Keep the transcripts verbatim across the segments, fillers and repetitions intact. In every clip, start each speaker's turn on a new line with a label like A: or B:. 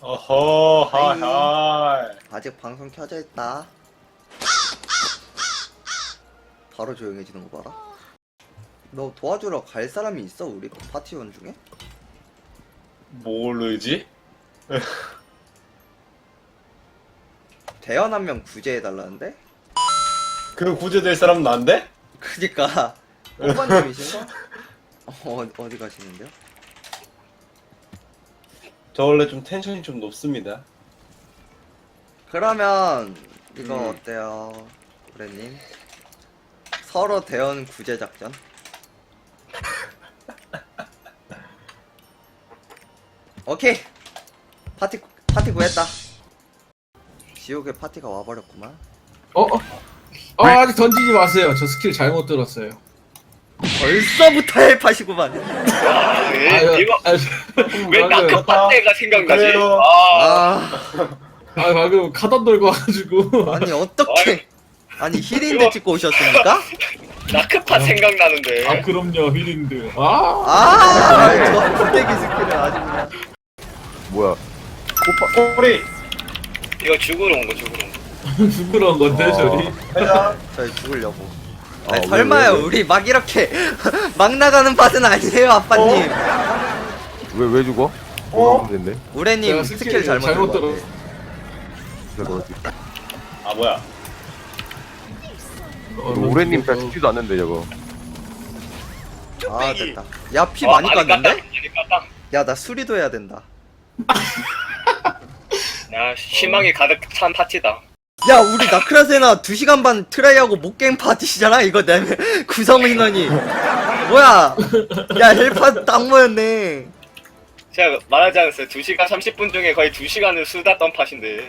A: 어허, 하이, 하이.
B: 아직 방송 켜져 있다. 바로 조용해지는 거 봐라. 너 도와주러 갈 사람이 있어? 우리 파티원 중에?
A: 모르지?
B: 대현 한 명 구제해달라는데?
A: 그 구제될 사람 난데?
B: 그니까 오빠님이신가? 어, 어디 가시는데요?
A: 저 원래 좀 텐션이 좀 높습니다.
B: 그러면 이거
A: 음.
B: 어때요, 브레님? 서로 대현 구제 작전? 오케이. 파티 파티 구했다. 지옥의 파티가 와버렸구만.
C: 어? 어? 아, 아직 던지지 마세요. 저 스킬 잘못 들었어요.
B: 벌써부터 헬파시구만.
D: 아,
C: 아,
D: 예, 이거
C: 아,
D: 왜
C: 방금,
D: 나크파 때가 생각나지?
A: 그래요.
D: 아,
B: 아,
C: 아, 방금 카던 들고 와가지고.
B: 아니 어떻게? 아니 힐인데 찍고 오셨습니까?
D: 나크파 생각나는데.
C: 아, 그럼요, 휘린드. 아,
B: 아, 저 부대기 스킬을 아주 그냥.
E: 뭐야?
A: 꼬리!
D: 이거 죽으러 온 거, 죽으러 온 거.
C: 부끄러운 건데, 저리.
A: 해자.
B: 저희 죽으려고.
E: 아,
B: 아니,
E: 왜,
B: 설마요,
E: 왜, 왜?
B: 우리 막 이렇게 막 나가는 밭은 아니에요, 아빠님.
E: 왜 왜 죽어?
A: 어?
E: 뭐가 됐네.
B: 우레님
C: 제가
B: 스킬
C: 스킬
B: 잘못
C: 잘못
B: 들은 것
C: 들었어.
E: 그래 그렇지.
A: 아, 뭐야.
C: 어,
E: 오래님
C: 던지고.
E: 잘 죽지도 않는데 저거.
B: 같아. 아, 됐다. 야, 피
D: 어,
B: 많이
D: 많이
B: 깠는데?
D: 깠다, 많이 깠다.
B: 야, 나 수리도 해야 된다.
D: 야, 희망이 가득 찬 파티다.
B: 야, 우리 나크라세나 두 시간 반 트라이하고 못게임 파티시잖아? 이거 내 구성 인원이. 뭐야? 야, 헬파 딱 모였네.
D: 제가 말하지 않았어요. 두 시간 삼십 분 중에 거의 두 시간을 수다 떤 팟인데.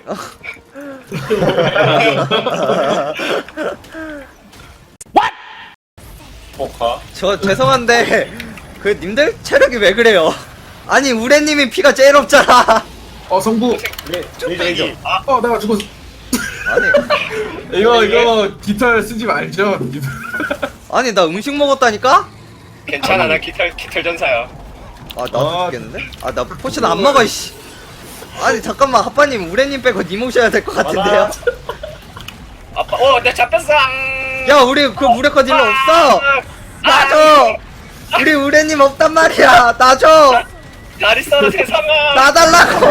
A: 포카.
B: 저, 죄송한데, 그, 님들? 체력이 왜 그래요? 아니, 우레님이 피가 제일 없잖아.
C: 어, 성부.
A: 레이저, 레이저.
D: 아,
C: 어, 내가 죽었어.
B: 아니,
C: 이거, 이거, 깃털 쓰지 말죠. 깃털.
B: 아니, 나 음식 먹었다니까?
D: 괜찮아, 나 깃털, 깃털 전사야.
B: 아, 나도
C: 아,
B: 죽겠는데? 아, 나 포션 안 먹어, 이씨. 아니, 잠깐만, 하빠님, 우레님 빼고 님 오셔야 될 것 같은데요?
D: 아빠, 어, 내가 잡혔어!
B: 야, 우리 그 무력화 딜러 없어! 놔줘! 우리 우레님 없단 말이야! 놔줘!
D: 잘 있어라, 세상아!
B: 놔달라고!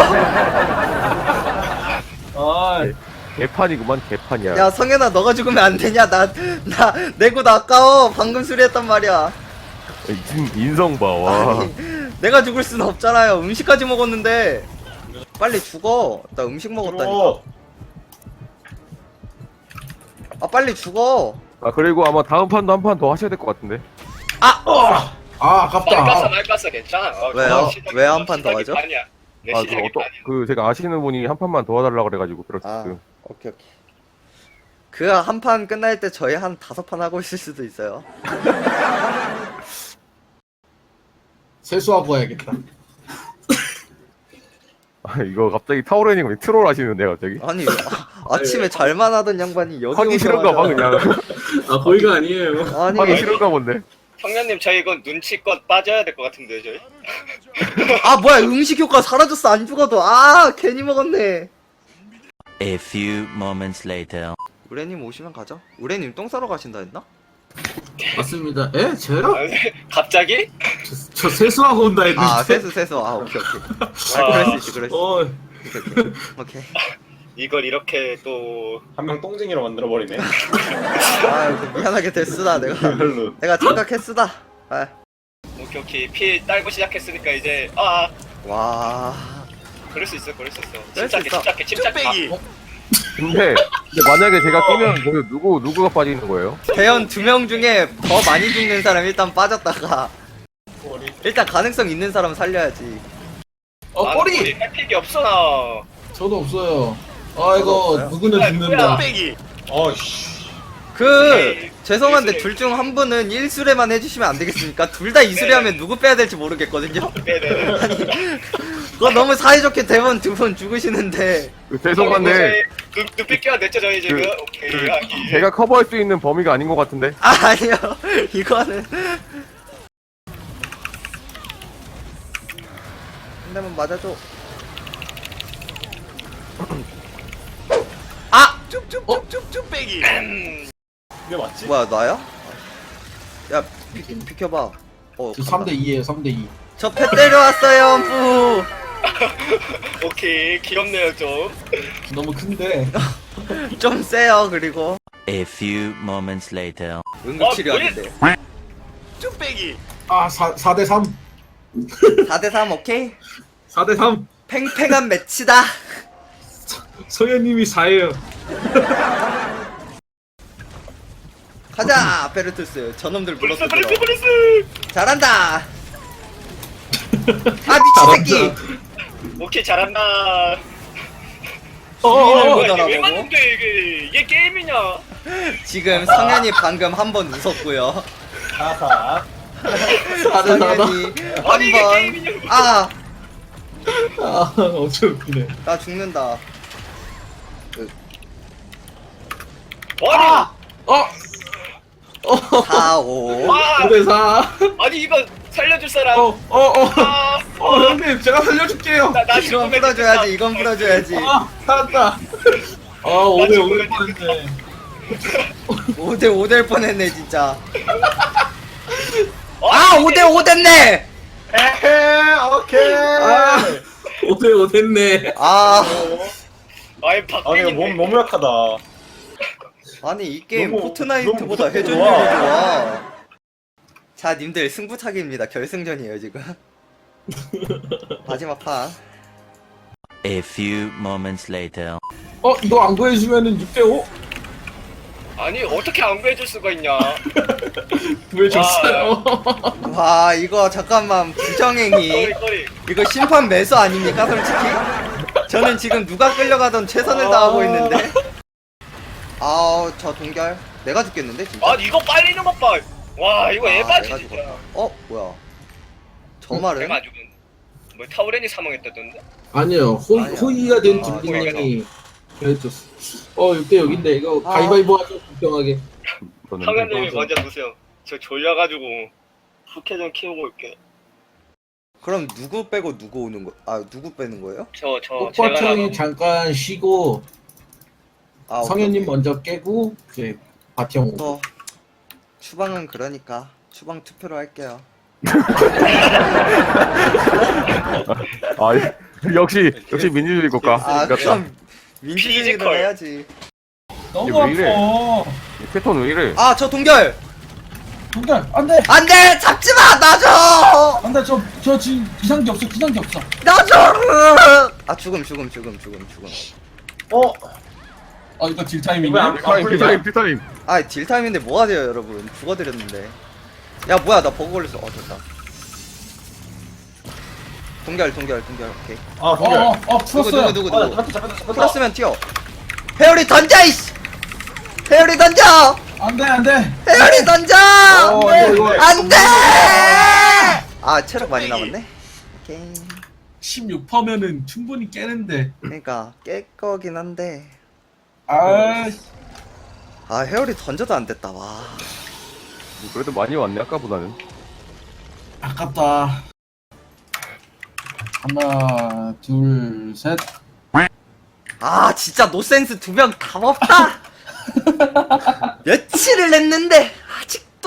C: 아,
E: 개판이구만 개판이야.
B: 야, 성현아, 너가 죽으면 안 되냐? 나, 나, 내고 아까워. 방금 수리했단 말이야.
E: 인, 인성 봐 와.
B: 아니, 내가 죽을 수는 없잖아요. 음식까지 먹었는데. 빨리 죽어. 나 음식 먹었다니까.
A: 들어.
B: 아, 빨리 죽어.
E: 아 그리고 아마 다음 판도 한 판 더 하셔야 될 것 같은데.
B: 아!
C: 아,
D: 말
C: 아깝다.
D: 깠어, 말 깠어, 괜찮아. 어,
B: 왜요?
D: 어, 시작이-
B: 왜 한 판더
D: 시작이
B: 하죠?
D: 반이야. 내
E: 아그
D: 시작이
E: 어떤
D: 반이야.
E: 그 제가 아시는 분이 한 판만 더 해달라 그래가지고 그렇스.
B: 아, 오케이, 오케이. 그 한 판 끝날 때 저희 한 다섯 판 하고 있을 수도 있어요.
C: 세수하고 와야겠다.
E: 아 이거 갑자기 타오르님 트롤 하시는데 갑자기.
B: 아니, 아, 아침에 잘만 하던 양반이 여기
E: 하기 싫은가 봐
B: 오자마자.
E: 그냥.
C: 아, 거기가 아니에요.
B: 아니,
E: 하기 싫은가 본데.
D: 형님, 저희 이거 눈치껏 빠져야 될 것 같은데, 저희?
B: 아, 뭐야, 음식 효과 사라졌어, 안 죽어도. 아, 괜히 먹었네.
F: A few moments later.
B: 우레님 오시면 가죠. 우레님 똥 싸러 가신다 했나?
C: 맞습니다. 에? 저요?
D: 아, 갑자기?
C: 저, 저 세수하고 온다 했는데.
B: 아, 세수, 세수. 아, 오케이, 오케이. 아, 그럴 수 있지, 그럴 수
C: 어,
B: 있지. 오케이, 오케이. 오케이.
D: 이걸 이렇게 또
A: 한 명 똥쟁이로 만들어버리네.
B: 아, 이거 미안하게 됐으다, 내가.
A: 별로.
B: 내가 착각했으다. 아,
D: 오케이 오케이 피 딸고 시작했으니까 이제 아
B: 와.
D: 그럴 수 있어 그럴 수 있어
B: 그럴 수
D: 침착해
B: 있어.
D: 침착해 침착해 아,
E: 근데 근데 만약에 제가 끼면 거기 누구 누구가 빠지는 거예요?
B: 대현 두 명 중에 더 많이 죽는 사람 일단 빠졌다가 일단 가능성 있는 사람 살려야지.
C: 어,
D: 아,
C: 꼬리!
D: 우리 햇픽이 없어 나
C: 저도 없어요. 아,
B: 저도
C: 이거
B: 없어요.
C: 누구는
D: 아,
C: 죽는다.
D: 뭐야.
A: 어이씨.
B: 그 죄송한데 둘 중 한 분은 일 수레만 해주시면 안 되겠습니까? 둘 다 이 수레 하면 누구 빼야 될지 모르겠거든요.
D: 네네
B: 아니 그거 너무 사이좋게 대본 두 분 죽으시는데.
E: 그 죄송한데
D: 눈, 눈빛 껴야 됐죠 저희 지금
E: 그-
D: 오케이
E: 그
D: 아, 이-
E: 제가 커버할 수 있는 범위가 아닌 것 같은데.
B: 아 아니요 이거는 한 대만 맞아줘. 아!
A: 이게 맞지?
B: 뭐야 나야? 야 비, 비켜봐. 어,
C: 저 삼 대 이에요 삼 대 이.
B: 저패 때려왔어요 뿌.
D: 오케이 귀엽네요 좀.
C: 너무 큰데.
B: 좀 세요. 그리고
F: A few moments later.
B: 응급치료하는데.
C: 아 사 대 삼.
B: 사 대 삼 오케이?
C: 사 대 삼.
B: 팽팽한 매치다.
C: 성현님이 사예요.
B: 가자 베르투스. 저놈들
D: 브리스
B: 불렀어.
D: 브리스 브리스.
B: 잘한다. 아 미친 새끼.
D: 오케이 잘한다.
B: 주인을
D: 어,
B: 못
D: 이게 왜
B: 알아보고.
D: 맞는데 이게 이게 게임이냐?
B: 지금 성현이 방금 한 번 웃었고요.
A: 사사.
C: 사 대 사다.
B: 성현이
D: 아니, 이게
B: 한번
D: 게임이냐고.
B: 아!
C: 아 엄청 웃기네.
B: 나 죽는다.
D: 아니
C: 어. 어.
B: 사, 오.
D: 아
C: 오 대 사.
D: 아니 이거 살려줄 사람.
C: 어. 어. 어.
D: 아,
C: 어 형님 제가 살려줄게요.
D: 나, 나
B: 이건
D: 죽으면
B: 풀어줘야지. 이건 풀어줘야지.
C: 아 살았다. 아 오 대 오 될 뻔했네.
B: 오 대 오 될 뻔했네 진짜.
D: 됐다.
B: 아 오 대 오 됐네.
A: 에헤, 오케이.
C: 아 오 대 오 됐네.
B: 아
D: 아니
A: 아니, 이거
D: 박빙인데.
A: 몸 너무 약하다.
B: 아니 이 게임
A: 너무-
B: 포트나이트보다
A: 너무
B: 회전율이
A: 좋아.
B: 좋아. 자 님들 승부차기입니다. 결승전이에요 지금. 마지막 판.
F: A few moments later.
C: 어 이거 안 구해주면은 육 대 오.
D: 아니 어떻게 안 구해줄 수가 있냐?
C: 구해줬어요.
B: 와 이거 잠깐만 부정행위.
D: 꼬리 꼬리.
B: 이거 심판 매수 아닙니까 솔직히? 저는 지금 누가 끌려가던 최선을 다하고 있는데. 아우 저 동결. 내가 죽겠는데 진짜.
D: 아니 이거 빨리는 것 봐. 와 이거
B: 아,
D: 에바지
B: 내가
D: 진짜.
B: 죽었다. 어 뭐야? 저 말은
D: 내가 안 죽은. 뭐 타우렌이 사망했다던데?
C: 아니요 호,
B: 아니야.
C: 호의가 된
B: 아,
C: 딜링이 그랬었어. 어 육 대 육인데 이거
B: 아.
C: 가위바위보 하죠 공평하게.
D: 성현님이
C: 맞아.
D: 먼저 보세요. 저 졸려가지고 후캐 좀 키우고 올게.
B: 그럼 누구 빼고 누구 오는 거? 아 누구 빼는 거예요?
D: 저 저 제가
C: 꽃바청이
D: 나가.
C: 잠깐 쉬고
B: 아
C: 성현님
B: 오케이,
C: 먼저 깨고 이제 바티형
B: 오케이.
C: 오고.
B: 또 추방은 그러니까 추방 투표로 할게요.
E: 아 역시 역시 민주주의 국가.
B: 아
E: 이겼다.
B: 그럼 민주주의로
D: 피지컬.
B: 해야지.
E: 이게 왜 이래? 이 패턴 왜 이래?
B: 아 저 동결.
G: 동달 안돼
B: 안돼 잡지 마 놔줘
G: 안돼 저저 지금 기상기 없어 기상기 없어
B: 놔줘. 아 죽음 죽음 죽음 죽음 죽음.
A: 어?
G: 어 이거 딜 타이밍
A: 이거 안-
E: 피타임 피타임 피타임.
B: 아 딜타임인데 뭐가 돼요 여러분. 죽어드렸는데. 야 뭐야 나 버그 걸렸어. 어 됐다. 동결 동결 동결 오케이.
A: 아, 동결.
G: 어어 어,
B: 누구
G: 풀었어요
B: 누구 누구
A: 아,
B: 누구.
A: 잡혔다, 잡혔다, 잡혔다.
B: 풀었으면 튀어. 회오리 던져 이씨. 회오리 던져.
G: 안돼 안돼
B: 회오리 던져.
C: 어, 이거, 이거.
B: 안돼. 아 체력 많이 남았네. 오케이.
G: 십육 퍼센트면은 충분히 깨는데
B: 그러니까 깰 거긴 한데.
G: 아
B: 아 회오리 던져도 안 됐다 와.
E: 그래도 많이 왔네 아까보다는.
G: 아깝다 하나 둘셋
B: 아 진짜 노센스 두 명 다 없다. 며칠을 했는데 아직도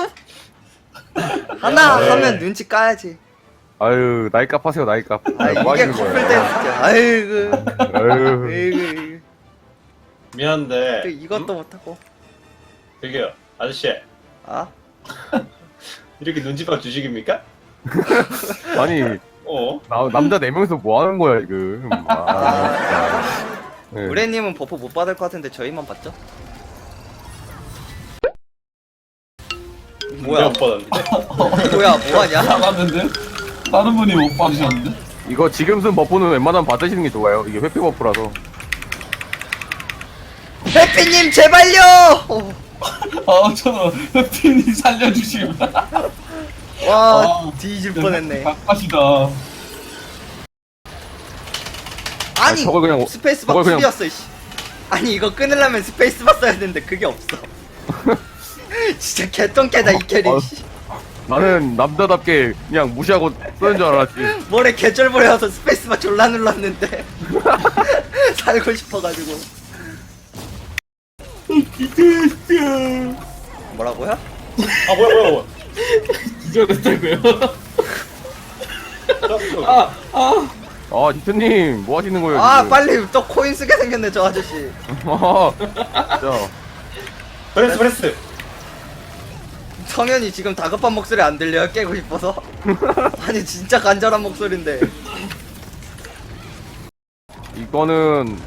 B: 하나
E: 네.
B: 하면 눈치 까야지.
E: 아유 나이값 하세요 나이값.
B: 아
E: 아유, 뭐
B: 이게
E: 하시는
B: 커플
E: 거예요?
B: 댄스죠. 아이고
E: 아유.
B: 아이고
A: 미안한데.
B: 또 이것도 못하고.
A: 저기요, 아저씨.
B: 아
A: 이렇게 눈치밥 주식입니까?
E: 아니
A: 어?
E: 나, 남자 네 명이서 뭐 하는 거야 지금. 아, 진짜. 네.
B: 우레님은 버프 못 받을 것 같은데 저희만 받죠? 뭐야
A: 못 받았는데?
B: 뭐야 뭐하냐?
G: 나갔는데 다른 분이 못 받으셨는데
E: 이거 지금 쓴 버프는 웬만하면 받으시는 게 좋아요. 이게 회피 버프라서.
B: 해피님 제발요. 어.
G: 어 저는 흑핀이 살려주심
B: 와
G: 아,
B: 뒤질 뻔했네.
G: 각하시다
B: 아니
E: 아니, 저걸 그냥-
B: 스페이스바
E: 저걸 그냥-
B: 툴이었어 이씨. 아니 이거 끊으려면 스페이스바 써야 되는데 그게 없어. 진짜 개똥개다 이 캐릭.
E: 어.
B: 씨.
E: 나는 남자답게 그냥 무시하고 쓰는 줄 알았지.
B: 뭐래 개쩔보려서 스페이스바 졸라 눌렀는데 살고 싶어가지고. 뭐라고요?
A: 아 뭐야 뭐야 뭐야.
C: 기절했다고요?
A: 저,
C: 아, 아.
E: 아 디트님 뭐 하시는 거예요?
B: 아
E: 지금?
B: 빨리 또 코인 쓰게 생겼네 저 아저씨.
E: 아, 진짜.
A: 브레스 브레스.
B: 성현이 지금 다급한 목소리 안 들려요? 깨고 싶어서? 아니 진짜 간절한 목소리인데.
E: 이거는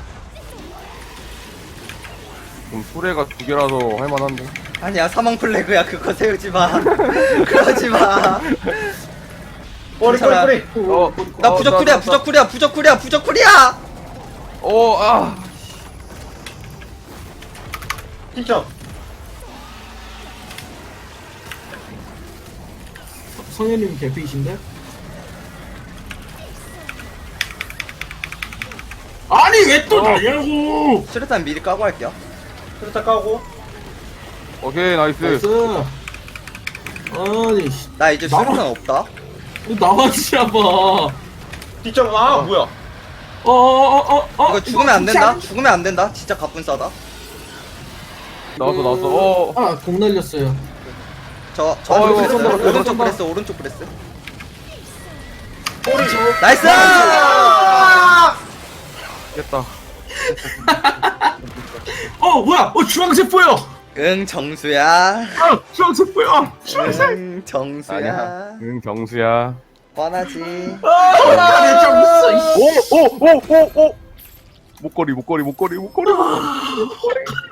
E: 좀 수레가 두 개라서 할만한데.
B: 아니야 사망 플래그야 그거 세우지마. 그러지마.
A: 꼬리 꼬리
B: 괜찮아.
A: 꼬리.
E: 어,
B: 나
E: 어,
B: 부적쿨이야
E: 나- 나-
B: 부적쿨이야 부적쿨이야 부적쿨이야.
E: 어, 아.
A: 진짜.
C: 성현님 개피이신데? 아니 왜 또 나냐고!
B: 수류탄 미리 까고 할게요.
A: 그렇다 까고.
E: 오케이 나이스.
C: 나이스. 아니 씨,
B: 나 이제
C: 나와.
B: 수류탄 없다.
C: 나와지 봐.
A: 뒷점 아 뭐야.
C: 어어어어 어,
B: 이거 죽으면 안 된다. 죽으면 안 된다. 진짜 가뿐 싸다.
E: 나왔어 나왔어. 어.
C: 아공 날렸어요.
B: 저, 저
E: 어,
B: 브레스,
E: 이거 쏜다,
B: 오른쪽
E: 쏜다.
B: 브레스, 오른쪽 브레스.
A: 꼬리.
B: 나이스!
E: 깼다.
C: 어 뭐야? 어 주황색 보여.
B: 응, 정수야.
C: 아 주황색 보여.
B: 응, 정수야.
E: 응 경수야.
B: 뻔하지.
C: 아니 좀 있어. 이씨.
E: 오오오오 오. 목걸이 목걸이 목걸이 목걸이.